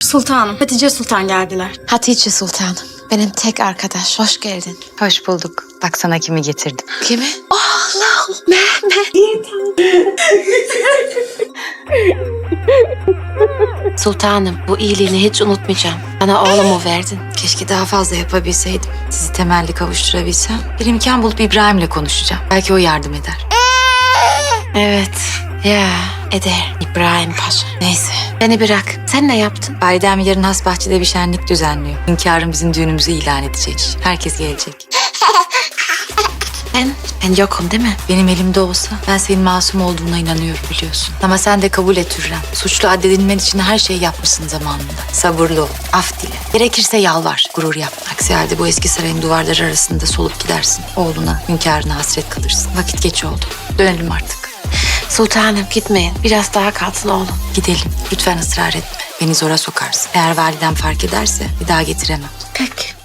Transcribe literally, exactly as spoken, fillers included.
Sultanım, Hatice Sultan geldiler. Hatice Sultanım. Benim tek arkadaş. Hoş geldin. Hoş bulduk. Bak sana kimi getirdim. Kimi? Allah! Mehmet! Sultanım, bu iyiliğini hiç unutmayacağım. Bana oğlumu verdin. Keşke daha fazla yapabilseydim. Sizi temelli kavuşturabilsem. Bir imkan bulup İbrahim'le konuşacağım. Belki o yardım eder. Evet, ya eder İbrahim Paşa. Neyse, beni bırak. Sen ne yaptın? Validem yarın Hasbahçe'de bir şenlik düzenliyor. Hünkârım bizim düğünümüzü ilan edecek. Herkes gelecek. Ben, ben yokum değil mi? Benim elimde olsa ben senin masum olduğuna inanıyorum biliyorsun. Ama sen de kabul et Hürrem. Suçlu addedilmen için her şeyi yapmışsın zamanında. Sabırlı ol, af dile. Gerekirse yalvar, gurur yap. Aksi halde bu eski sarayın duvarları arasında solup gidersin. Oğluna, hünkârına hasret kalırsın. Vakit geç oldu. Dönelim artık. Sultanım gitmeyin. Biraz daha kalsın oğlum. Gidelim. Lütfen ısrar etme. Beni zora sokarsın. Eğer validem fark ederse bir daha getiremem. Peki.